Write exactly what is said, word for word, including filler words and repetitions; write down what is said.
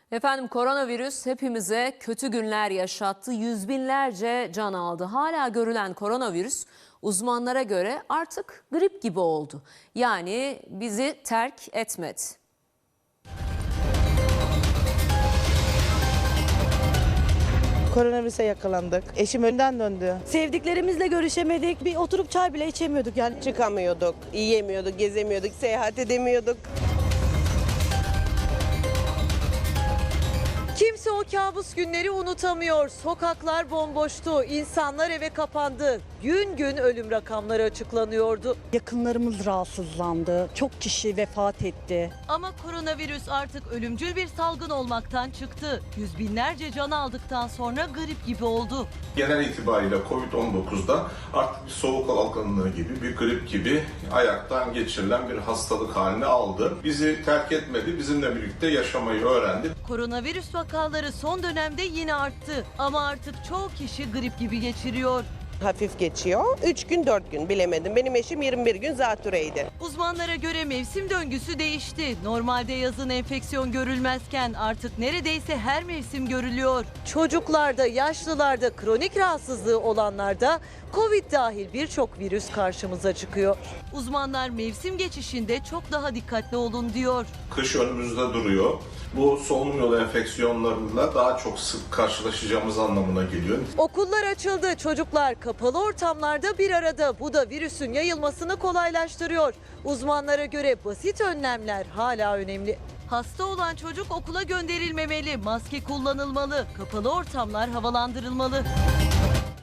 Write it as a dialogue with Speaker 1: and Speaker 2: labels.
Speaker 1: Efendim koronavirüs hepimize kötü günler yaşattı. Yüz binlerce can aldı. Hala görülen koronavirüs uzmanlara göre artık grip gibi oldu. Yani bizi terk etmedi.
Speaker 2: Koronavirüse yakalandık. Eşim önden döndü.
Speaker 3: Sevdiklerimizle görüşemedik. Bir oturup çay bile içemiyorduk yani.
Speaker 4: Çıkamıyorduk, yiyemiyorduk, gezemiyorduk, seyahat edemiyorduk.
Speaker 5: Kimse o kabus günleri unutamıyor. Sokaklar bomboştu, insanlar eve kapandı. Gün gün ölüm rakamları açıklanıyordu.
Speaker 3: Yakınlarımız rahatsızlandı. Çok kişi vefat etti.
Speaker 5: Ama koronavirüs artık ölümcül bir salgın olmaktan çıktı. Yüz binlerce can aldıktan sonra grip gibi oldu.
Speaker 6: Genel itibariyle kovid on dokuzda artık bir soğuk algınlığı gibi, bir grip gibi ayaktan geçirilen bir hastalık haline aldı. Bizi terk etmedi, bizimle birlikte yaşamayı öğrendi.
Speaker 5: Koronavirüs vakaları son dönemde yine arttı. Ama artık çoğu kişi grip gibi geçiriyor.
Speaker 4: Hafif geçiyor. üç gün dört gün bilemedim. Benim eşim yirmi bir gün zatürreydi.
Speaker 5: Uzmanlara göre mevsim döngüsü değişti. Normalde yazın enfeksiyon görülmezken artık neredeyse her mevsim görülüyor. Çocuklarda, yaşlılarda, kronik rahatsızlığı olanlarda Covid dahil birçok virüs karşımıza çıkıyor. Uzmanlar mevsim geçişinde çok daha dikkatli olun diyor.
Speaker 6: Kış önümüzde duruyor. Bu solunum yolu enfeksiyonlarıyla daha çok sık karşılaşacağımız anlamına geliyor.
Speaker 5: Okullar açıldı. Çocuklar kapalı ortamlarda bir arada. Bu da virüsün yayılmasını kolaylaştırıyor. Uzmanlara göre basit önlemler hala önemli. Hasta olan çocuk okula gönderilmemeli, maske kullanılmalı, kapalı ortamlar havalandırılmalı.